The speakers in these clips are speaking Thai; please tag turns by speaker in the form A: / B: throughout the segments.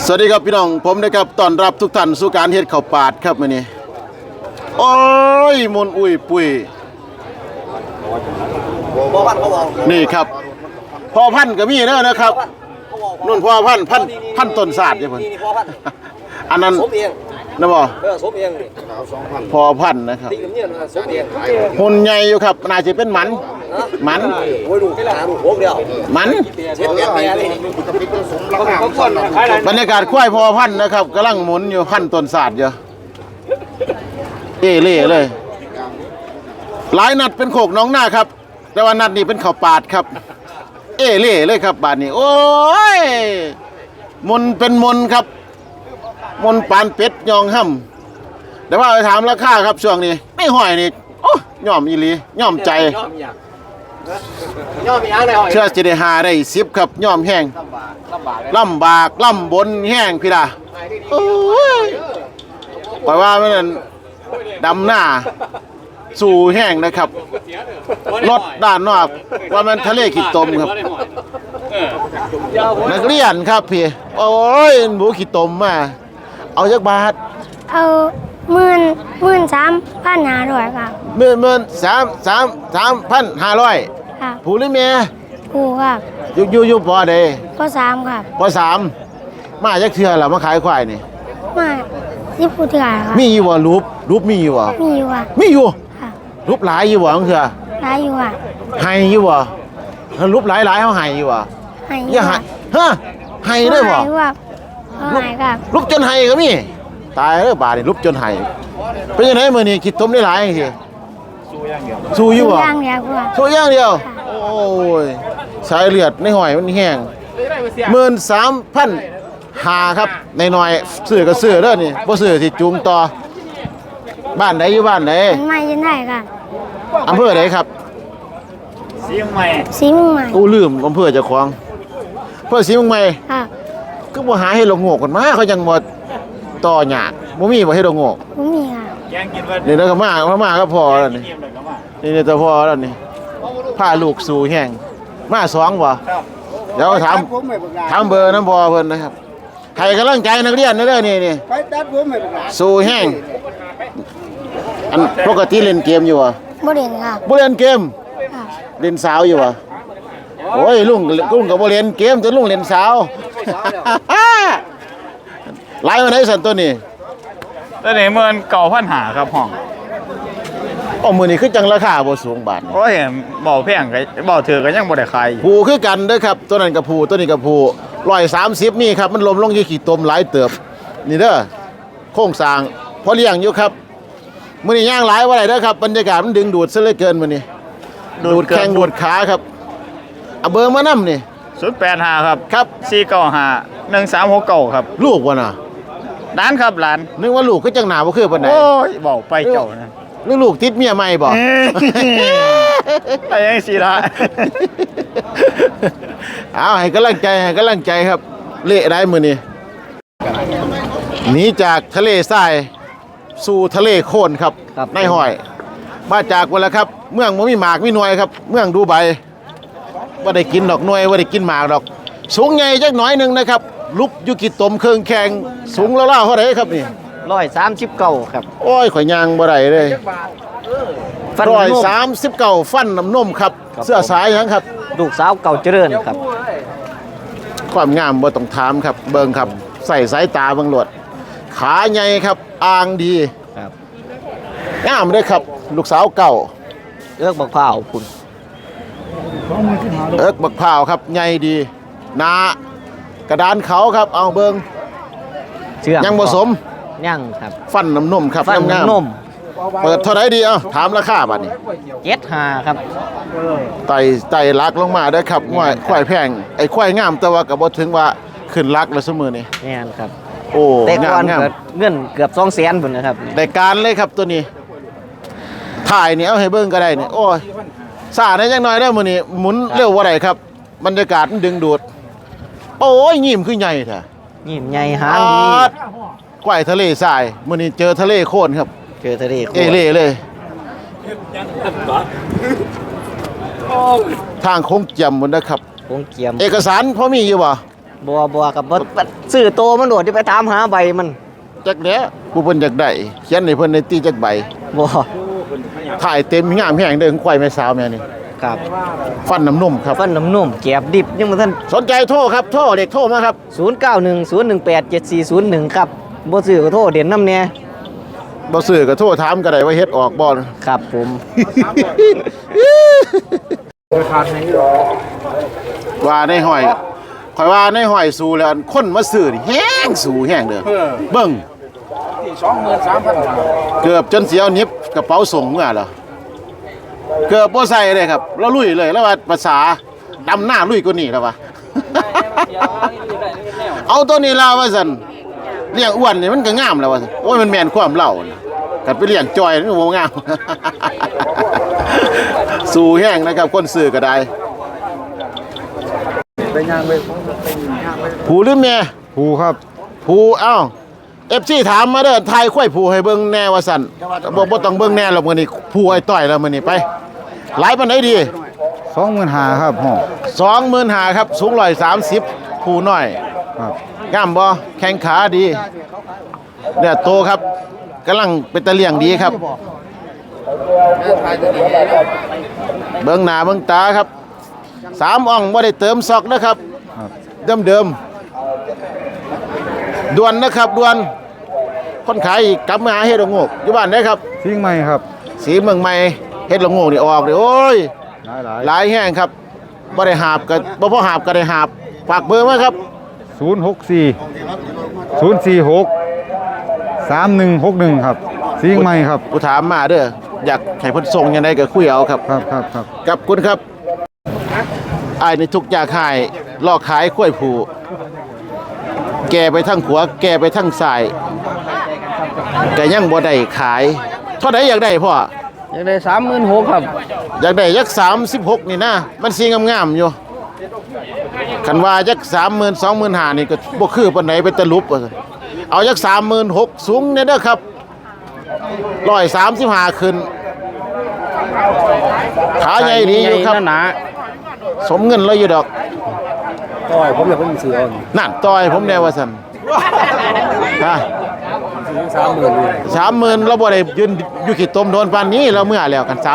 A: สวัสดีครับพี่น้องผมนะครับต้อนรับทุกท่านสู่การเฮ็ดข้าวปาดครับมื้อนี้โอ้ยมนอุ้ยปุ้ยนี่ครับพ่อพันธุ์ก็มีเด้อนะครับนุ่นพ่อพันธุ์ต้นศาสตร์เด้อเพิ่นอันนั้นนะบ่
B: สมเอง
A: พ่อพันธุ์นะครับหุ่นใหญ่อยู่ครับน่าจะเป็นหมัน
B: โอ้ยดูแค่หาดูโค้งเดียว
A: มัน
B: เช็ดแม่นี่
A: บรรยากาศควายพ่อพันธุ์นะครับกำลังหมุนอยู่พันธุ์ต้นศาสตร์อยู่เล่เลยหลายนัดเป็นโขกน้องหน้าครับแต่ว่านัดนี้เป็นข้าวปาดครับเล่เลยครับบาดนี้โอ้ยมนเป็นมนครับมนปานเป็ดยองห่ำแต่ว่าไปถามราคาครับช่วงนี้ไม่ห่อยนี่โอ้ย่อมอีหลีย่อมใจเชื่อจะได้หาได้10ครับย่อมแห้งลำบากลำบนแห้งพี่ล่ะโอ้ยปล่อยว่ามันดำหน้าสู่แห้งนะครับรถด้านนอกว่ามันทะเลขีดตมครับนักเรียนครับพี่โอ้ยหมูขีดตมมาเอาจักบาท
C: เอา13,500ครับ
A: 13,500
C: ครับ
A: ผู้หรือแม่
C: ผู้ครับ
A: อยู่ปอใด
C: ป.3ครับ
A: ป.3มาจักเทื่อล่ะมาขายควายนี่
C: มา10ผู้เถื่อครับ
A: มีอยู่บ่รูปมีอยู่บ่
C: มีอยู่ครับ
A: มีอยู่
C: ครับ
A: รูปหลายอยู่บ่จังเทื่อ
C: หลายอยู่ครับ
A: ให้อยู่บ่รูปหลายๆเฮาให้อยู่บ่
C: ให้
A: อย่าให้ฮะให้ได้บ่
C: ให้ครับให้ครับ
A: รูปจนให้ก็มีตายเด้อบาดนี่รูปจนให้เป็นจังไดมื้อนี้คิดต้มได้หลายจังซี่สู้อยู่บ่
C: อย่างเดียวครับ
A: สู้อย่างเดียวโอ้ยสายเลือดในห้อยมันแห้ง13,500ครับน้อยๆซื้อก็ซื้อเด้อนี่บ่ซื้อสิจูงต่อบ้านไหนอยู่บ้านไหน
C: ไม่ยินได้ครับ
A: อำเภอไหนครับ
C: ศรีเมืองใหม่
A: กูลืมอำเภอเจ้าของอำเภอศรีเมืองใหม่
C: ครับ
A: ก็บ่หาเฮ็ดละโงกกันมาเขาจังบ่ต่อหยากบ่มีบ่เฮ็ดละโงก
C: บ่มีครับ
A: นี่แล้วก็มาก็พอแล้วนี่แต่พอแล้วนี่พาลูกสู่แห้งมา2บ่เดี๋ยวถามเบอร์นำพ่อเพิ่นนะครับให้กำลังใจนักเรียนเด้อนี่ไปตัดผมให้สู่แห้งอันปกติเล่นเกมอยู่บ่
C: บ่เล่นครับ
A: บ่เล่นเกม
C: ครับ
A: เล่นสาวอยู่บ่โอ้ยลุงก็บ่เล่นเกมแต่ลุงเล่นสาวหลายวันไหนสั่นตัวนี้
D: ตัวนี้19,500ครับห้อง
A: มื้อนี้คือจังราคาบ่สูงบาท
D: โอ้ยเบาแพงก็เบาถือก็ยังบ่ได้ขาย
A: ผู้คือกันเด้อครับตัวนั้นก็ผู้ตัวนี้ก็ผู้130มีครับมันล้มลงอยู่ขี้ตมหลายเติบนี่เด้อโครงสร้างพอเลี้ยงอยู่ครับมื้อนี้ย่างหลายว่าได้เด้อครับบรรยากาศมันดึงดูดซะเหลือเกินมื้อนี้ดูดแข้งดูดขาครับเอาเบอร์มานำนี่
D: 085ครับ
A: ครับ
D: 495 1369ครับ
A: ลูกบ่น่ะ
D: หลานครับหลาน
A: นึกว่าลูกคือจังหน้าบ่คือปานใด
D: โอ้ยเว้าไปเจ้านะ
A: ลูกติดเมียใหม่บ่
D: ไปยังสิล่ะ
A: เอาให้กำลังใจครับเละได้มื้อนี้หนีจากทะเลทรายสู่ทะเลโคลนครับในห้อยมาจากวันละครับเมืองบ่มีหมากมีหน่วยครับเมืองดูไบบ่ได้กินดอกหน่วยบ่ได้กินหมากดอกสูงใหญ่จักหน่อยนึงนะครับลุกอยู่กี่ตมเครื่องแข่งสูงแล้วๆเท่าใดครับนี่
B: 139ครับ
A: โอ้ยข่อยย่างบ่ได้เลย139ฟันน้ำนมครับเสื้อสายหยังครับ
B: ลูกสาวเก่าเจริญครับ
A: ความงามบ่ต้องถามครับเบิ่งครับใส่สายตาเบิ่งโลดขาใหญ่ครับอ่างดี
B: ครับ
A: งามเด้อครับลูกสาวเก่า
B: บักพร้าวคุณ
A: บักพร้าวครับใหญ่ดีหนากระดานเขาครับเอาเบิ่งยังบ่สม
B: ยังครับ
A: ฟันน้ำนมครับ
B: ฟันน้ำนม
A: เปิดเท่าไหร่ดีถามราคาบัดนี้
B: 75ครับ
A: ไต่ลักลงมาเด้อครับควายแพงไอ้ควายงามแต่ว่าก็บ่ถึงว่าขึ้นลักแล้วซุมื้อนี้
B: แม่นครับ
A: โอ้
B: งามเงินเกือบ200,000พุ่นนะครับ
A: ได้การเลยครับตัวนี้ถ่ายนี่เอาให้เบิ่งก็ได้นี่โอ้ยซ่าได้จังน้อยเด้อมื้อนี้หมุนเร็วบ่ได้ครับบรรยากาศมันดึงดูดโอ้ยยิ้มคือใหญ่แท้
B: ยิ้มใหญ่หางดี
A: ควายทะเลทรายมื้อนี้เจอทะเลโคลนครับ
B: เจอทะเลโคลน
A: เลยทางโค้งเจียมหมดนะครับ
B: โค้งเจียม
A: เอกสารพอมีอยู่บ่
B: บัวกับบ่ซื้อโตมันโดดที่ไปตามหาใบมัน
A: จักแหน่ผู้เพิ่นอยากได้เขียนให้เพิ่นในตีจักใบ
B: บ่
A: ถ่ายเต็มงามแฮงเด้อควายแม่สาวแม่นี่
B: ครับ
A: ฟันน้ำนุ่มครับ
B: ฟันน้ำนุ่มแกบดิบยังบ่ทัน
A: สนใจโทรครับโทรเด็กโทรมาครับ
B: 0910187401ครับบ่ซื้อก็โทรเด่นนำแน่
A: บ่ซื้อก็โทรถามก็ได้ว่าเฮ็ดออกบ่
B: ครับผม
A: ว่าในห้อยข่อยว่าในห้อยสู้แล้วคนมาซื้อนี่แฮงสู้แฮงเด้อเบิ่ง 23,000เกือบจนสิเอาหนิบกระเป๋าส่งเมื่อเหรอเกือบบ่ใส่เลยครับแล้วลุยเลยแล้วว่าภาษาดำหน้าลุยกว่านี้แล้ววะ เอาตัวนี้ลาว่าซั่นเลี้ยงอ้วนนี่มันก็งามแล้วว่าซั่นโอ้ยมันแม่นความเล่านะกันไปเลี้ยงจอยมันบ่งาม สู้แห้งนะครับคนซื้อก็ได้ผู้หรือแม่
D: ผูครับ
A: ผู้เอ้า FC ถามมาเด้อทายควายผู้ให้เบิ่งแน่ว่าซั่นบ่ต้องเบิ่งแน่หรอกมื้อนี้ผู้ไอ้ต้อยแล้วมื้อนี้ไปหลายปานใดดี
D: 25,000ครับห้อง
A: 25,000ครับสูง130ผู้น้อย
D: ครับ
A: งามบ่แข้งขาดีเนี่ยโตครับกำลังเป็นตะเลี่ยงดีครับ เบิ่งหน้าเบิ่งตาครับ3อ่องบ่ได้เติมซอกนะครับ
D: ครับ
A: เดิมๆด่วนนะครับด่วนคนขายอีกกลับมาหาเฮ็ดละโงกอยู่บ้านได้ครับ
D: สิ่งใหม่ครับ
A: สีเมืองใหม่เฮ็ดละโงกนี่ออกนี่โอ้ย
D: หลาย
A: หลายแห้งครับบ่ได้หาบก็บ่พอหาบก็ได้หาบฝากเบอร์มาครับ
D: 064 ครับสิ่งใหม่ครับ
A: ผู้ถามมาเด้ออยากให้เพิ่นส่งยังไงก็คุยเอาครับ
D: ครับ
A: กับคุณครับอ้ายในทุกอยากขายลอกขายกล้วยผูแก่ไปทั้งขวาแก่ไปทั้งซ้ายก็ยังบ่ได้ขายเท่าใดอยากได้พ่อ
B: อยากได้36,000ครับ
A: อยากได้ยัก36นี่นะมันสีงามๆอยู่คันว่ายัก30,000 25,000นี่ก็บ่คือปานใดเป็นตะลุบว่าซั่นเอายัก36,000สูงเนี่ยเด้อครับ135ขึ้นขาใหญ่ดีอยู่ครับ
B: หนา
A: สมเงินเราอยู่ดอก
B: ต้อยผมอยากเป็นซื้อเอา
A: นั่นต่อยผมแน่ว่าซั่นฮะ 30,000เราบ่ได้ยืนอยู่ขี้ตมโดนปานนี้เราเมื่อแล้วกัน 30,000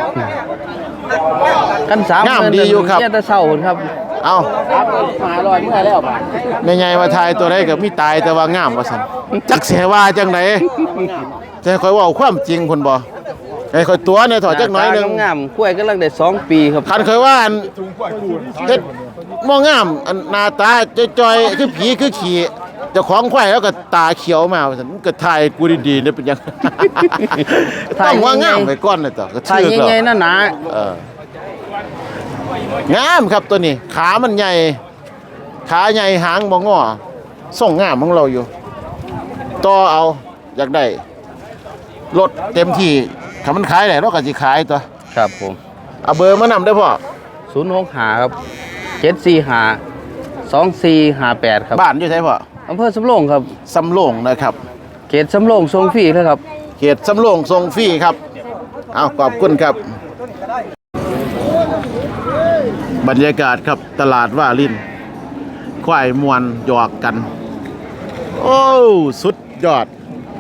B: กัน30,000
A: งามดีอยู่ครับ
B: เนี่ยแต่เช้าพุ่นครับ
A: เอา
B: 500เมื่อแล้วบาด
A: แม่ใหญ่ว่าทายตัวใดก็มีตายแต่ว่างามว่าซั่นจักเสียว่าจังไดจะให้ค่อยเว้าความจริงพุ่นบ่ให้ค่อยตัวเนี่ยถอดจักหน่อยหนึง
B: งามๆกล้วยกำลังได้2 ปีครับ
A: คันเคยว่าอันเฮ็ดบ่งามอันหน้าตาจ้อยๆคือผีคือขี้เจ้าของควายแล้วก็ตาเขียวมาว่าซั่นก็ถ่ายกูดีๆเนี่ยเป็นหยัง ต้องว่างามไว้ก่อนน่ะต่อก็
B: ถ้า
A: ถือ
B: ใหญ่ๆหนา
A: งามครับตัวนี้ขามันใหญ่ขาใหญ่หางบ่งอส่งงามของเราอยู่ต่อเอาอยากได้รถเต็มที่ถ้ามันขายได้เราก็สิขายตัว
B: ๆครับผม
A: เอาเบอร์มานำได้อพ่อ
B: 065ครับ745 2458ครับ
A: บ้านอยู่ไสพ่อ
B: อำเภอสำโรงครับ
A: สำโรงนะครับ
B: เขตสำโรงทรงฟรีเลยครับ
A: เขตสำโรงทรงฟรีครับเอาขอบคุณครับ บรรยากาศครับตลาดว่าลินควายมวนหยอกกัน โอ้สุดยอด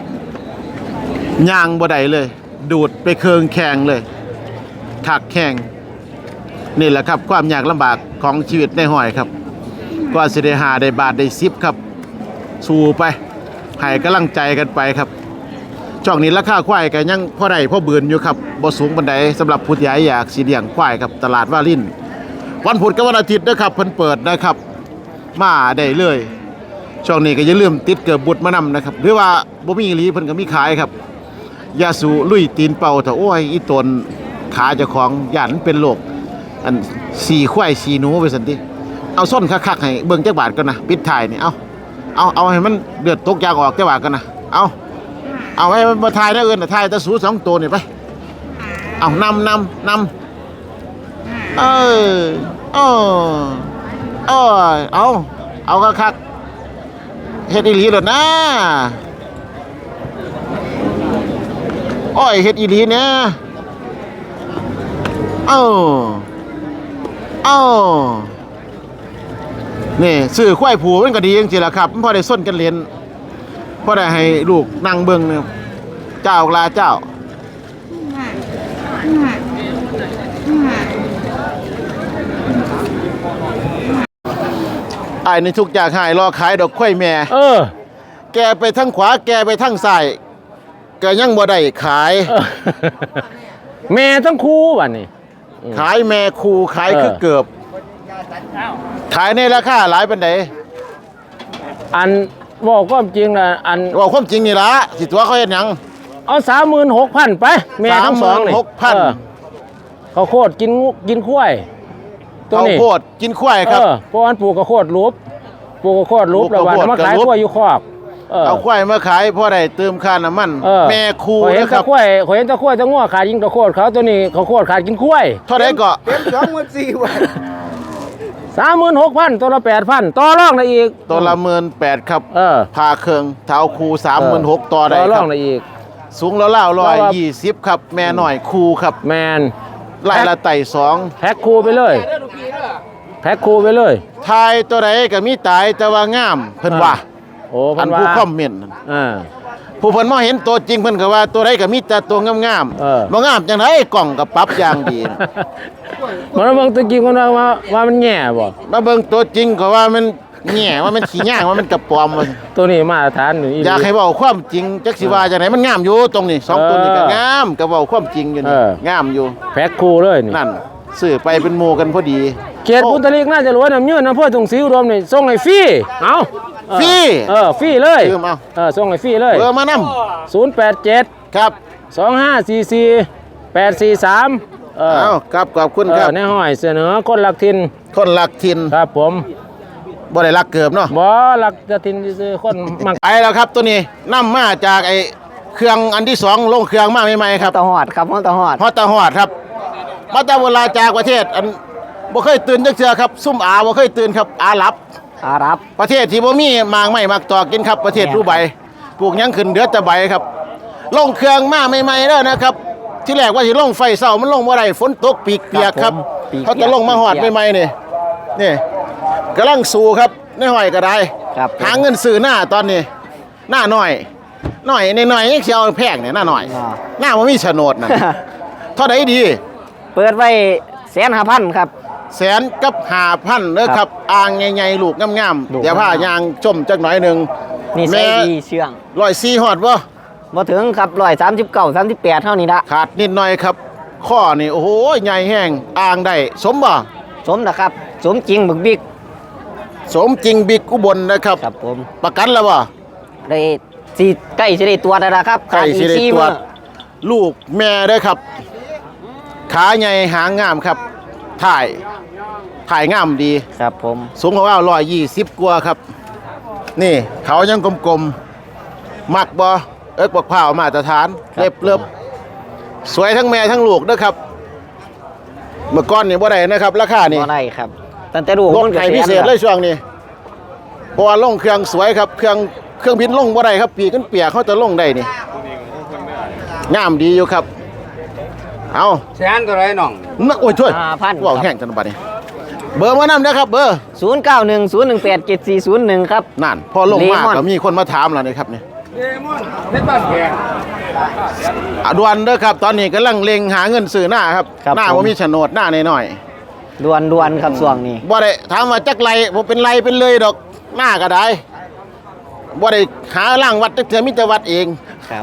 A: ย่างบ่ได้เลย ดูดไปเคืองแข่งเลยถักแข่งนี่แหละครับความยากลำบากของชีวิตในห้อยครับก็สิได้หาได้บาทได้10ครับสู้ไปให้กำลังใจกันไปครับช่วงนี้ราคาควายก็ยังพอได้พอเบือนอยู่ครับบ่สูงปานใดสำหรับผู้ใหญ่อยากสิเลี้ยงควายครับตลาดว่าลินวันพุธกับวันอาทิตย์นะครับเพิ่นเปิดนะครับมาได้เลยช่วงนี้ก็อย่าลืมติดเกือบบุตรมานำนะครับหรือว่าบ่มีอีหลีเพิ่นก็มีขายครับยาสูลุยตีนเป่าถ้าโอ้ยอีตนขาเจ้าของย่านมันเป็นโรคอันสีควายสีหนูไปซั่นติเอาส้นคักๆให้เบิ่งจักบาทก่อนนะปิดท้ายนี่เอาให้มันเดือดตกยางออกจักบาทก่อนนะเอาให้มันบ่ทายนะเอิ้นน่ะทายแต่สู2ตัวนี่ไปเอานำเอาคักๆเฮ็ดอีหลีโลดนะโอ้ยเฮ็ดอีหลีเนี่ยนี่ซื้อควายผูมันก็ดีจริงๆล่ะครับมันพอได้ส้นกันเรียนพอได้ให้ลูกนั่งเบิ่งเนี่ยเจ้าลาเจ้าไอ้นี่ทุกอย่างหายรอขายดอกควายแม่แกไปทางขวาแกไปทางซ้ายก็ยังบ่ได้ขาย
E: แม่ทั้งคู่บัดนี้
A: ขายแม่คูขายคือเกือบขายในราคาหลายปานใด
E: อันบอกความจริงนะอัน
A: ว่าความจริงนี่ล่ะสิตัวเขาเฮ็ดหยัง
E: เอา 36,000 ไปแม่ทั้งสองนี่
A: 36,000
E: เขาวโคตรกินข้วยตัว
A: ข้าว
E: นี้
A: โพดกินควายครับ
E: เพราะอันปลูกข้าวโคตรรูปปลูกข้าวโคตรรูป
A: ปลู
E: แล้ว
A: ก
E: วัน
A: ข้าวโพด
E: มาขาย
A: กับรูป
E: ข้วยอยู่คอก
A: เอาควายมาขายเพราะได้เติมค่าน้ำมัน แม่คู
E: ข่อยเห็น
A: นะค
E: ตะ
A: รับ
E: ข้วยข่อยเห็นตะข้วยตะง้อขาดยิงตะโคตรเขาตัวนี้ข้าวโคตรขาดกินข้วย
A: เท่าไหร่ก็
E: 36,000ตัวละ8,000ต่อรองได้อีก
A: ตัวละ18,000ครับ พาเครื่องเท้าคู36,000ต่อได้
E: ต่อร
A: ค
E: อ
A: รั
E: ง
A: บ
E: ได้อีก
A: สูงแล้ว120ครับแม่หน่อยคูครับ
E: แมน
A: ไล่ละไต่2
E: แพ็คคู่ไปเลยแพ็คคู่ไปเลย
A: ทายตัวใดก็มีตายแต่ว่างามเพิ่นว่า
E: โอ้
A: อั
E: เพิ่
A: น
E: นว่า
A: ผู้คอมเมนต์นั่น
E: อ่า
A: ผู้เพิ่นมาเห็นตัวจริงเพิ่นก็ว่าตัวใดก็มีแต่ตัวงาม บ่งามจังไดกล่องก็ปรับอย่างดี
E: มันเบิ่งตัวจริงคนว่ามันแย่บ่
A: มาเบิ่งตัวจริงก็ว่ามันแง่ว่ามันขี้ย่างว่ามันกระปอมว่า
E: ตัวนี้มาตรฐานอยู่
A: อยากให้เว้าความจริงจักสิว่าจังไดมันงามอยู่ตรงนี้สองตัวนี้ก็งามก็เว้าความจริงอยู่นี่งามอยู่
E: แพ็คคู่เลยนี่
A: นั่นซื้อไปเป็นหมู่กันพอดี
E: เขตพุทธลีกน่าจะรวยน้ำยืนอำเภอถุงศรีอุดมนี่ส่งให้ฟรีเอา
A: ฟรี
E: ฟรีเลย
A: ซื้อมา
E: ส่งให้ฟรีเลย
A: เบอร์มานำ
E: 087
A: ครับ
E: 2544 843
A: เอาครับขอบคุณครับ
E: ในห้อยเสนอคนรักถิ่น
A: คนรักถิ่น
E: ครับผม
A: บ่ได้รักเกิบเนาะ
E: บ่รักจะถิ่นซื่อๆคนมัก
A: ไปแล้วครับตัวนี้นํมาจากไอ้เครื่องอันที่2ลงเครื่องมาใหม่ๆครับ
B: ตะหอดครับตะหอด
A: ฮอดตาฮอดครับมาแต่เวลาจากประเทศอันบ่เคยตื่นจักเทื่อครับซุ่มอาบ่เคยตื่นครับอาหรับ
B: อารับ
A: ประเทศที่บ่มีหมากไม้หมากตอกกินครับประเทศรูใบปลูกหยังขึ้นเดือดแต่ใบครับลงเครื่องมาใหม่ๆแล้วนะครับ ที่แรกว่าสิลงไฟเช้ามันลงบ่ได้ฝนตกปีกเปียกครับเขาจะลงมาฮอดใหม่ๆนี่กำลังสู้ครับในห้อยก็ได้
B: ครับ
A: หาเงินซื้อหน้าตอนนี้หน้าน้อยในน้อยยังสิเอาแพงเนี่ยหน้าน้อยหน้าบ่มีโฉนดน่ะเท่าใดดี
B: เปิดไว้150,000ครับ
A: แสนกับ5,000เด้อครับอ่างใหญ่ๆลูกงาม
B: ลูก
A: ๆเดี๋ยวพายางจมจักหน่อยหนึง
B: นี่ใส่ดีเชื่อง
A: 104ฮอดบ่
B: บ่ถึงครับ139 38เท่านี้ละ
A: ขาดนิดหน่อยครับ ข้อนี่โอ้โหใหญ่แห้งอ่างได้สมบ่
B: สมนะครับ สมจริงบึกบิ๊ก
A: สมจริงบิ๊กอุบลนะครับ
B: ครับผม
A: ประกันแล้วบ่
B: ได้สิใกล้สิได้ตัวแล้วนะครับ
A: ใกล้สิได้
B: ขาอี
A: ตรวจ
B: มื้อ
A: ลูกแม่เด้อครับ ขาใหญ่หางงามครับถ่ายงามดี
B: ครับผม
A: สูงกว่า120กว่าครับ นี่เขายังกลมๆมักบ่บักพร้าวมาตรฐานเล็บสวยทั้งแม่ทั้งลูกเด้อครับ เมื่อก่อนนี่บ่ได้นะครับ ราคานี่
B: บ่ได้ครับตั้งแต่ลูก
A: ลด
B: มันก็
A: ให้พิเศษเลยช่วงนี้เพราะว่าลงเครื่องสวยครับเครื่องบินลงบ่ได้ครับปีกกันเปียกเขาจะลงได้นี่งามดีอยู่ครับเอา
F: แสนตัวไรน้อง
A: นักโอ้ยช่วย
B: 5,000
A: ว่าวแห้งจังบัดนี้เบอร์มานำนะครับเบอร์
B: 0910187401ครับ
A: นั่นพอลงมา
B: เลมอน
A: ก็มีคนมาถามแล้วนะครับนี่
F: เพชรบ้านแพง
A: ด่วนเด้อครับ ตอนนี้กำลังเล็งหาเงินซื้อหน้าครับ
B: ครับ
A: หน้า
B: ผม
A: ว่ามีโฉนดหน้าน้อย
B: ด่วนๆครับช่วงนี้
A: ๆบ่ได้ถามว่าจักไรบ่เป็นไรเป็นเลยดอกหน้าก็ได้บ่ได้หาล่างวัดจักเทื่อมีแต่วัดเอง
B: ครับ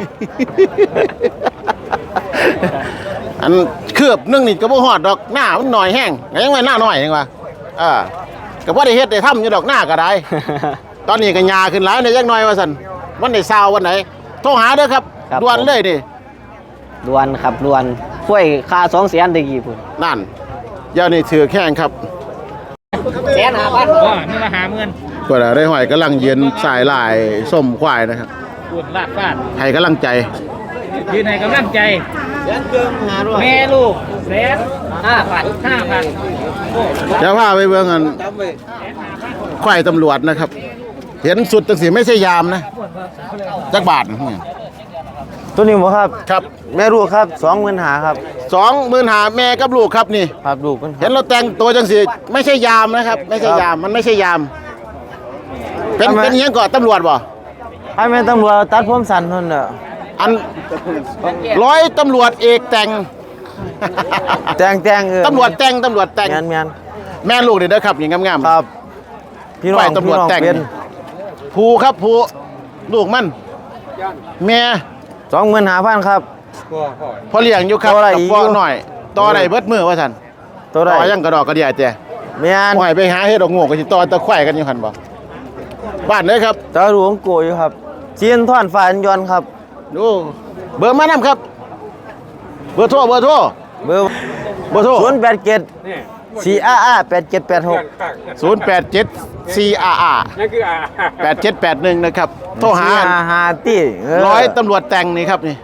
A: อันคืบหนึงนี่ก็บ่ฮอดดอกหน้ามันหน่อยแห้งก็ยังว่าหน้าน้อยจังว่าก็บ่ได้เฮ็ดได้ทำอยู่ดอกหน้าก็ได้ ตอนนี้ก็หญ้าขึ้นหลายในจักหน่อยว่าซั่นวันได้ซาววันไหนโทรหาเด้อครับ
B: ครับ
A: ด่วนเลยดิ
B: ด่วนครับด่วนช่วยค่า200,000ตะกี้พุ่น
A: นั่นเดี๋ยวนี้ถือแข้งครับ
B: 150,000
E: ก็นี่ละ50,000
A: ก็ได้ห้อยกำลังยืนสายลายส้มควายนะครับ
E: พูดลาดฟาด
A: ให้กำลังใจ
E: ยืนให้กำลังใจ แม่ลูก5,000
A: เดี๋ยวพาไปเบิ่งกันควายตำรวจนะครับ เห็นสุดจังสีไม่ใช่ยามนะจักบาทเนี่ย
G: ตัวนี้บ่ครับ
A: ครับ
G: แม่ลูกครับ25,000ครับ
A: 25,000แม่กับลูกครับนี่
G: ครับลูกมัน
A: เห็นเราแต่งตัวจังสีไม่ใช่ยามนะครับ ไม่ใช่ยามมันไม่ใช่ยามเป็นอิหยังก่อนตำรวจบ่
G: ไอ้แม่ตำรวจตัดผมสั้นเพิ่นเด้อ
A: อันร้อยตำรวจเอกแต่ง
G: แต่ง
A: ตำรวจแต่งแม่ลูกเด้อครับอย่างงาม
G: ๆครับพี่น้อง
A: ฝ่ายตำรวจแต่ง
G: เป็น
A: ผูครับผูลูกมันแม่
G: 25,000ครับ
A: พอเลี้ยงอยู่ครับ
G: ต่อได้
A: กับ
G: อีก
A: พ่อ
G: อยู่
A: หน่อยต่อได้เบิดมือว่าซั่น
G: ตัวใด
A: ต่อยังกระดอกกระเดียแต่
G: แม่น
A: บ่ให้ไปหาเฮ็ดดอกโง่ก็สิต่อตะไคร่กันอยู่หั่นบ่บ้านเด้อครับ
G: ตาหลวงโกอยู่ครับเจียนท่อนฟ้าอันยนต์ครับ
A: ดูเบอร์มานํครับ เบอร์โทร
G: เบอร์
A: 087
G: 087 488 8781
A: 4RR 8781นะครับโทรหา
G: 5ตี้
A: ร้อยตำรวจแต่งนี่ครับนี่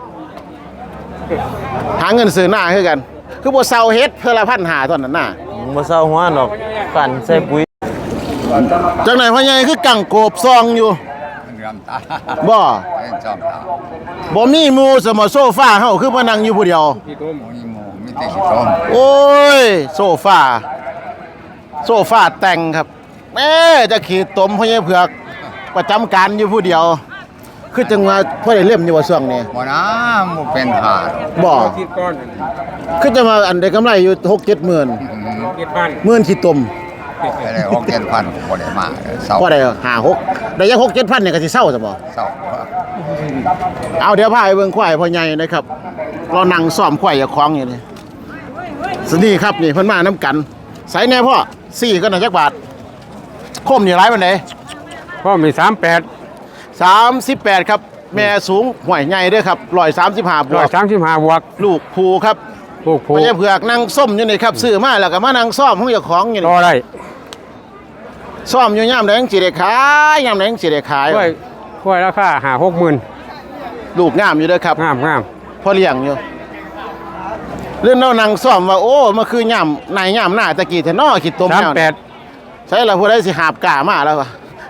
A: หาเงินซื้อหน้าคือกัน คือบ่เซาเฮ็ดเพื่อละ1,500เท่านั้นน่ะ
G: บ่เศร้าหัวดอกกันใส่ปุ๋ย
A: จังไหนพ่อใหญ่คือกังโกบซองอยู่
F: เรื่องตา
A: บ่
F: เป็นจอมตา
A: บ่มีหมู่สมอโซฟาเฮาคือมานั่งอยู่ผู้เดียว
F: มีหมูมีแต่ขี้ต้ม
A: โอ้ยโซฟาแต่งครับแม่จะขี่ตมพ่อใหญ่เผือกประจำการอยู่ผู้เดียว คือจังว่าพ่อได้เล่มอยู่ว่าช่วงนี้
F: บ่นะหมูเป็นหาด
A: บ่คือจะมาอันได้กำไรอยู่ 6-7 หมื่นหมื่นขี้ตม
F: อะไรออกเจ็ดพันบ่ได้มาเศร้า
A: พอได้5-6ได้ยัง 6-7 พันเนี่ยก็สิเซาซะบ่
F: เศร้า
A: เอาเดี๋ยวพาไปเบิ่งควายพ่อใหญ่นะครับเรานั่งซ้อมควายอย่าคล้องอยู่นี่สนี่ครับนี่เพิ่นมาน้ำกันใส่แน่พ่อ4ก็น่าจักบาทคมนี่หลายปานใด
H: พ่อมี
A: 38ครับแม่สูงห่วยใหญ่เด้อครับ135บวก
H: 135บวก
A: ลูกภูครับ
H: ผูก
A: พ่อใหญ่เผือกนั่งส้มอยู่นี่ครับซื้อมาแล้วก็มานั่งซ้อมของเจ้าของอยู่
H: ต่อ
A: นี่
H: ได้
A: ซ้อมอยู่ยามใดจังสิได้ขายยามใดจังสิได้ขาย
H: ค่อยราคา60,000
A: ลูกงามอยู่เด้อครับ
H: งาม
A: พ่อเลี้ยงอยู่เรื่องเรานั่งซ้อมว่าโอ้มันคือย่ำนายย่ำหน้าตะกี้แท้น้อคิดตมแนวนี่
H: 38
A: ใช่ละผู้ใดสิหาบกล้ามาแล้ววะ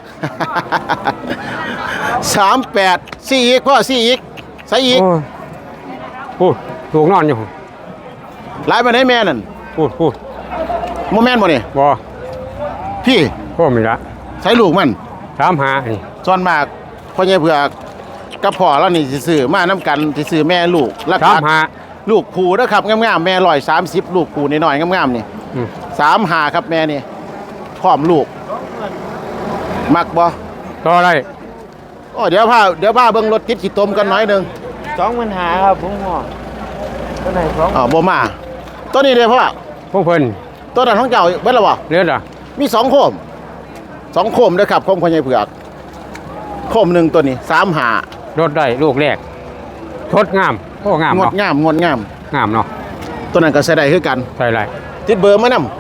A: 38 4อีกพ่อ4อีกใส่อีก
H: โอ้ลูกนอนอยู่
A: หลายไปไหนแม่นั่น
H: พูด
A: โมแม่นบ่นี่
H: บ่
A: พี่
H: พ่อมีละ
A: ใส่ลูกมัน
H: 35นี่
A: ส่วนมากพ่อใหญ่เผือกกับพ่อแล้วนี่สิซื้อมานํกันสิซื้อแม่ลูกราคา
H: 35
A: ลูกผูนะครับงามๆแม่130ลูกผูน้อยๆงามๆนี่ 35ครับแม่นี่พร้อมลูกมักบ่
H: ต่อได้
A: โอ้เดี๋ยวพาเบิ่งรถติดขี้ตมกันหน่อยหนึง
G: 25,000ครับผมว่าตัวไหน2
A: บ่มาตัวนี้เด้อพ่อ
H: พวกเพิ่น
A: ตัวนั้นของเจ้าเบิดแล้วบ่
H: เลือดอ่ะ
A: มี2โคม2โคมเด้อครับโคมพ่อใหญ่เผือกโคมหนึงตัวนี้35
H: รถได้ลูกแรกทดงามโอ้งาม
A: งด
H: เนาะ
A: งาม
H: งามเนาะ
A: ตัวนั้นก็ใช้ได้คือกัน
H: ใส่ไร
A: ติดเบอร์มานำ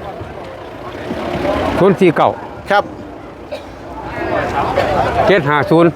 H: 049
A: ครับ
H: 750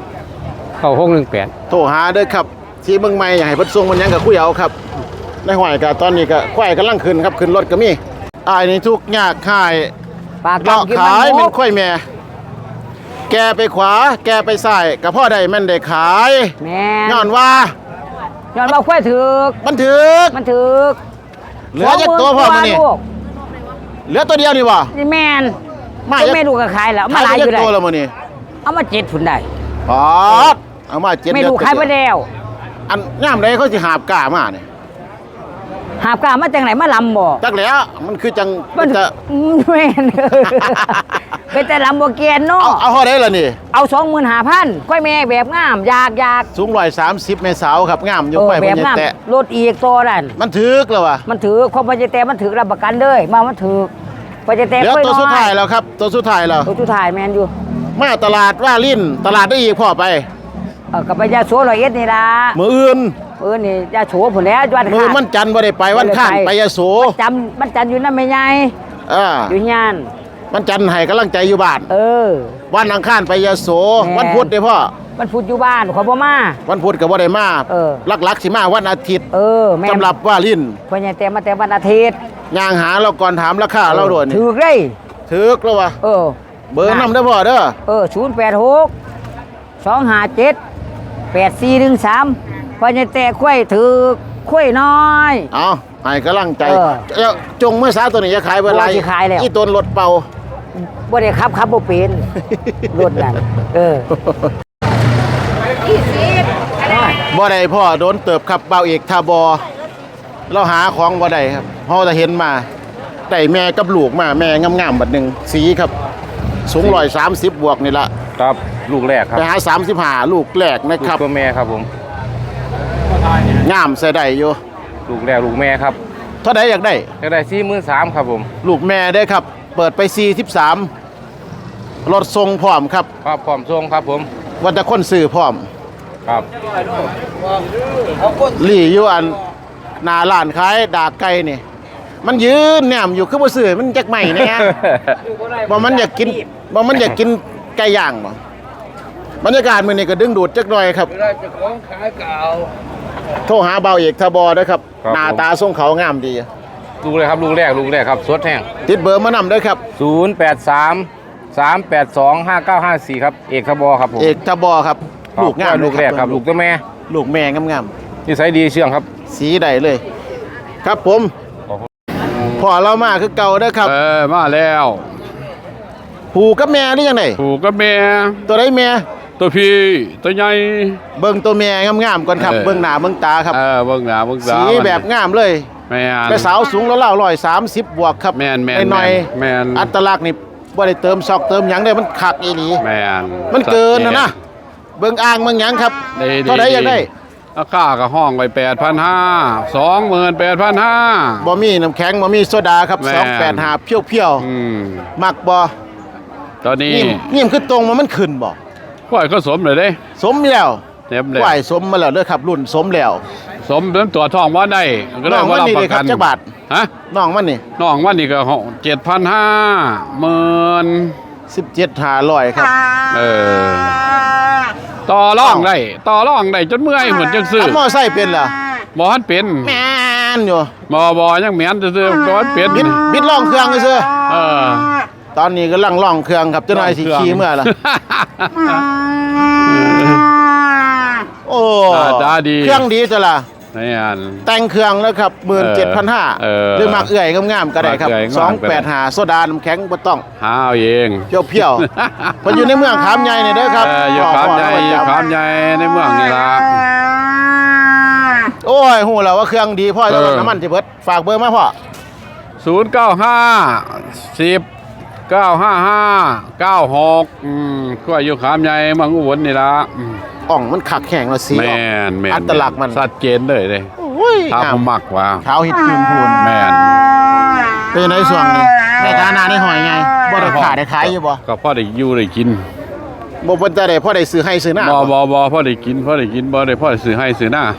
H: 9618
A: โทรหาเด้อครับที่เมืองใหม่อยากให้เพิ่นส่งมันหยังก็คุยเอาครับในห้อยก็ตอนนี้ก็ควายกำลังขึ้นครับขึ้นรถก็มีอ้ายนี่ทุกข์ยากขาย
B: ปาก
A: เลาะ
B: กิน
A: ขาย
B: มั
A: เป็น นควายแม่แกไปขวาแกไปซ้ายก็พ่อได้แม่นได้ขาย
B: แม่
A: ย้อนว่า
B: ย้อนว่าควายถึก
A: มันถึก
B: มันถึก
A: เหลือจักตัวพ่อมื้อนี้
B: ลูก
A: เหลือตัวเดียวนี่บ่
B: นี่แม่น
A: มา
B: ก็แม่ลูกก็ขายแล้วมาหลายอยู่
A: ได้
B: ได้
A: ตัวแล้วมื้อนี้
B: เอามา7พุ่นได้
A: ปอดเอามา7
B: แม่ลูกขายไปแล้ว
A: อันย่ามใดเขาสิหาบกล้ามาเนี่ย
B: หาบกล้ามาจังไหนมาลำบ่
A: จักแล้วมันคือจัง
B: มัน
A: จะ
B: แม่น เป็นแต่ลำบ่เกียนเนาะ
A: เอาเท่าได้ล่ะนี่
B: เอา25,000ควายแม่แบบงามอยาก
A: สูง130เมษาวครับงามอยู่ไป
B: แบ
A: พ่อบ ใหญ่
B: งาม
A: แตะ
B: รถอีกตัวนั่น
A: มันถึกแล้ววะ
B: มันถือความพอใจแต่มันถือรับประกันเลยมามันถือพอใจแต่
A: เหลือ
B: ค่อย
A: ตัว
B: น้อย
A: สุดท้ายแล้วครับตัวสุดท้ายแล้ว
B: ตัวสุดท้ายแมนอยู่
A: มาตลาดว่าลิ้นตลาดได้อีกพ่อไป
B: กับไปยาโส101นี่ล่ะ
A: มื้ออื่น
B: นี่ยาโสผุนแล้ววัน
A: มื้อมันจันทร์บ่ได้ไปวันข้างไปยโส
B: มันจำอยู่นั่นไม่ใหญ่ อยู่ยาน
A: มันจันทร์ให้กำลังใจอยู่บ้าน วันอังคารไปยโส
B: แม่
A: วันพุธเด้อพ่อ
B: มันพูดอยู่บ้านขอบ่มา
A: วันพุธก็บ่ได้มา ลักๆสิมาวันอาทิตย์
B: แม่
A: สำหรับว่าลิ้น
B: พอใจแต่มาแต่วันอาทิตย์
A: ย่างหาเราก่อนถามราคาเราโดน
B: ถือเลย
A: ถึกแล้ววะเบอร์นำได้อพ่อเด้อ
B: 086 257 8413พอใจแต่ค่อยถือค่อยน้อย
A: เอาให้กำลังใจจงเมื่อสาตัวนี้จะขายเวลา
B: สิขายแล้ว
A: อีต้นรถเป่า
B: บ่ได้ขับบ่เป็นรถนั่น
A: บ่ได้พ่อโดนเติบครับเบาเอกทาบอเราหาของบ่ได้ครับเฮาจะเห็นมาได้แม่กับลูกมาแม่งามๆบัดหนึงสีครับสูง130บวกนี่ละ
H: ครับลูกแรกครับ
A: ไปหา35ลูกแรกนะครับ
H: ตัวแม่ครับผม
A: งามใส่ได้อยู่
H: ลูกแรกลูกแม่ครับ
A: เท่าใดอยากได้
H: จะได้43,000ครับผม
A: ลูกแม่ได้ครับ เปิดไป43รถทรงพร้อมครับ
H: ครับพร้อมส่งครับผม
A: ว่าจะคนซื้อพร้อม
H: ครับ
A: ลี่อยู่อันหน้าร้านขายดากไก่นี่ มันยืนแหนมอยู่คือบ่ซื้อมันจักใหม่แน่บ่มันอยากกินไก่ย่างบ่บรรยากาศมื้อนี้ก็ดึงดูดจักหน่อยครับโทรหาเบาเอกทบด้วยครับหน้าตาทรงเขางามดี
H: ลูกเลยครับลูกแรกครับสดแห้ง
A: ติดเบอร์มานำด้วยครับ
H: 083 382 5954ครับเอกขบครับผม
A: เอกทบครับลูกงาม
H: ลูกแรกครับลูกตัวแม่
A: ลูกแม่งาม
H: นิสัยดีเชื่องครับ
A: ๆสีใดเลย ครับผมพอเรามาคือเก่าเด้อครับ
I: มาแล้ว
A: ผูกับแม่หรือยังไง
I: ผูกกับแม่
A: ตัวใดแม่
I: ตัวพี่ตัวใหญ่
A: เบิ่งตัวแม่งามๆก่อนครับ เบิ่งหน้าเบิ่งตาครับ
I: เบิ่งหน้าเบิ่งตา
A: สีแบบงามเลย
I: แม่น
A: แม่สาวสูงแล้ว130บวกครับ
I: แม่น
A: หน่อย
I: แม่น
A: อัตลักษณ์นี่บ่ได้เติมซอกเติมหยังได้มันคักอีหลี
I: แม่น
A: มันเกินนะเบิ่งอ่างเบิ่งหยังครับ
I: ดี
A: เท่าใดอยากได้
I: ราคาก็ห้องไว้8,500 28,500
A: บ่มีน้ำแข็งบ่มีโซดาครับ
I: แม่น
A: 285เพียวๆมักบ่
I: ตอนนี้
A: นี่มันคือตรงมันขึ้นบ่
I: กล้วยก็สมเลยเด้
A: สมแล้ว
I: เต็มเลย
A: ไหวสมมาแล้วเด้อครับรุ่นสมแล้ว
I: สมเป็นตัวทองว่าได้ก็ได้
A: น้อง
I: ว่า
A: มัน
I: รับ
A: นี่
I: ป
A: เลย
I: ระ
A: ครั
I: กับ น
A: จักบาท
I: ฮะ
A: น้องมันนี่
I: น้องวันนี้ก็7,500
A: 17,500ครับ
I: ต่อรองได้จนเมื่อยเหมือนจังซื้อ
A: ขับมอไซค์เป็นเหรอ
I: บ่ทันเป็น
A: แม่นอยู่
I: บ่ยังแม่นซื่อๆบ่ทันเป็น
A: บิดล่องเครื่องซื่อ
I: เออ
A: ตอนนี้กำลังล่องเครื่องครับเจ้านายสิขี่เมื่อล่ะโอ้
I: หน้าตาดี
A: เครื่องดีจ้ะล่ะ
I: นี่อัน
A: แต่งเครื่องแล้วครับ 17,500หรือมักเอื่อยงามๆก็ได้ครับ
I: มักเอื่อยงามก็ได้
A: 285โซดาน้ำแข็งบ่ต้อง
I: หาเอาเอง
A: เพียวๆ เพออยู่ในเมืองขามใหญ่นี่เด้อครับ
I: อยู่ขามใหญ่ในเมืองนี่ล่ะ
A: โอ้ยฮู้แล้วว่าเครื่องดีพ่อจะลดน้ำมันสิเบิดฝากเบอร์มาพ่อ
I: 095 10 955 96ก็อยู่ขามใหญ่เมืองอุบลนี่ล่ะ
A: อ่องมันขักแข็งแล้วสีอ
I: แม่
A: อก
I: น
A: อัตลักษณ์มัน
I: ชัดเจนเลยเด้
A: โอ้ย
I: ถ้าผมมักว่า
A: ขาวเห็ดจืนพูน
I: แม่น
A: เป็นในส่วนนี้ในฐานะในหอยไงบ่ได้ขายได้ขายอยู่บ่
I: ก็พอได้อยู่ได้กิน
A: บ่เพิ่นจะได้พ่อได้ซื้อให้ซื้อหน้า
I: บ่พอได้กินบ่ได้พอได้ซื้อให้ซื้อหน้า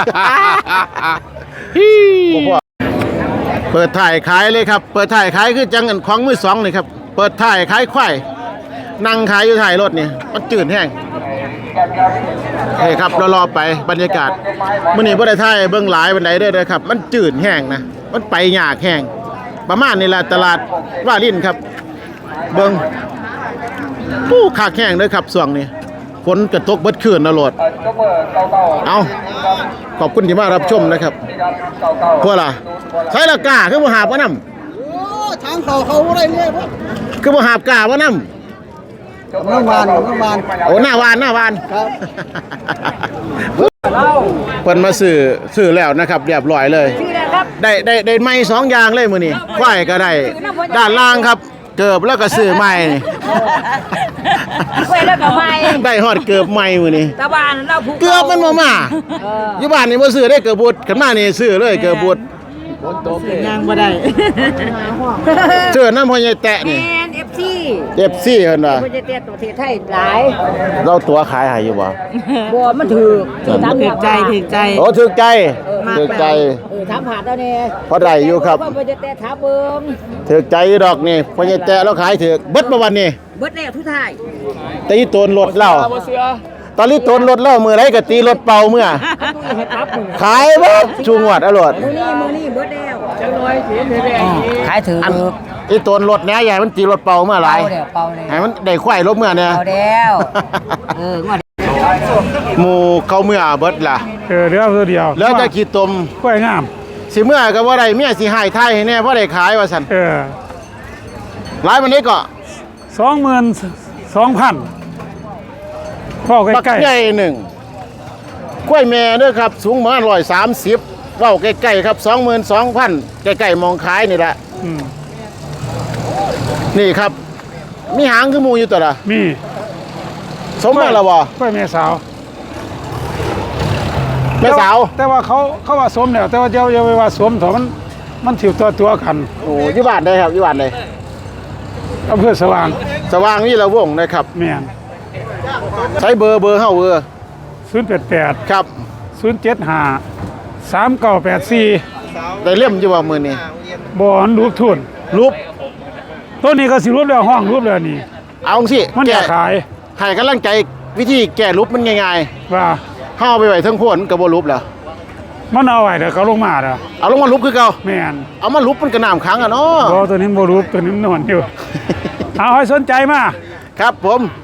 A: บ่พ่อเปิดถ่ายขายเลยครับ เปิดถ่ายขายคือจังอันของมือสองนี่ครับ เปิดถ่ายขายควายนั่งขายอยู่ถ่ายรถนี่มันจืดแห้งเฮ้ยครับรอๆไปบรรยากาศมื้อนี้บ่ได้ถ่ายเบิ่งหลายปานใดเด้อครับ มันจืดแห้งนะมันไปยากแห้งประมาณนี้ล่ะตลาดว่าลิ้นครับ เบิ่งผู้คักแห้งเด้อครับช่วงนี้ฝนกระตกเบิดคืนนะโลดเอาขอบคุณที่มารับชมนะครับพวกล่ะใช้ละกาคือบ่หาบว่านำทางเขาอะไรเนี่ยคือบ่หาบกาว่านำน้ำวานโอ้หน้าวานครับเพิ่นมาซื้อแล้วนะครับเรียบร้อยเลยได้ไม้2อย่างเลยมื้อนี้ควายก็ได้ด้านล่างครับเกือบแล้วก็ซื้อไม้นี่
B: ไว้แล้วก็ไม่
A: ได้ฮอดเกือบไม้มื้อนี้
B: ตะบานเราผูก
A: เกือบมันบ่มาอยู่บ้านนี่บ่ซื้อได้เกือบบุดขันมานี่ซื้อเลยเกือบบุด
B: ยางบ่ได้
A: เสื้อน้ำพ่อใหญ่แตะนี่
B: แอน FC
A: FC เพิ่นว่า
B: บ่จะเตี้ยตัวที่ไทยหลาย
A: เราตัวขายให้อยู่บ่
B: บ่มันถูกตามใจ
A: โอ้ถูกใจถูกใจ
B: ถามหาเจ้าแน่
A: พอได้อยู่ครับ
B: ว่าบ่จะเตี้ยถามเบิ่ง
A: ถูกใจอยู่ดอกนี่พ่อใหญ่แตะเราขายถูกเบิดบ่วันนี้
B: เบิดแล้วทุกท้าย
A: ตีโตนรถเราตอนนี้โตนรถเรามื้อใดก็ตีรถเป่าเมื่อ
B: เฮ็ดครับ
A: ขายบ่ชูงวดอรวด
B: มื้อนี้เบิดแล้วจังน้อยสิขายถือ
A: อันอีโตนรถแหน่ใหญ่มันตีรถเป่าเมื่อหลาย
B: เป่าแล้ว
A: ให้มันได้ควายรถเมื่อเนี่ย
B: เป่าแล้วงวด
A: หมู่เขาเมื่อเบิดล่ะ
D: เดี๋ยวเดียว
A: แล้วจะขี้ตม
D: กล้วยงาม
A: สิเมื่อก็บ่ได้เมียสิหายไทยให้แน่บ่ได้ขายว่าซั่นหลายวันนี้ก็
J: 22,000พ่อ
A: บัก
J: ใกล้
A: ใหญ่หนึ่งกล้วยแม่เด้อครับสูงประมาณ130เว้าใกล้ๆครับ 22,000ใกล้ๆมองขายนี่แหละ
J: ๆอืม
A: นี่ครับ มีหางคือหมูอยู่ตัวละ
J: มี
A: สมมาแล้วบ่
J: กล้วยแม่สาว
A: แม่สาว
J: แต่ว่าเขาว่าสมแล้วแต่ว่าเดี๋ยวอย่าไปว่าสมเถอะมันถิวตัวกัน
A: โอ้อยู่บ้านได้ครับอยู่บ้านได้
J: อำเภอสว่าง
A: สว่างนี่ละวงนะครับ
J: แม่น
A: ใช้เบอร์เฮาเบอร์
J: 088
A: ครับ
J: 075 3984
A: ได้เล่มอยู่บ่มื้อนี้
J: บ่อนรูปทุน
A: รูป
J: ตัวนี้ก็สิรูปแล้วห้องรูปแล้วนี่
A: เอาสิ
J: มันอยากขาย
A: ให้กำลังใจวิธีแก้รูปมันง่าย
J: ว่า
A: ๆเฮาเอาไปไว้เทั้งโพนก็บ่รูปแล้ว
J: มันเอาไว้เดี๋ยวเขาลงมาเด้อ
A: เอาลงมารูปคือเก่า
J: แม่น
A: เอามารูปมันก็น้ำขังอ่ะเนาะ
J: บ่ตัวนี้บ่รูปตัวนี้มันนอนอยู่ เอาให้สนใจมา
A: ครับผม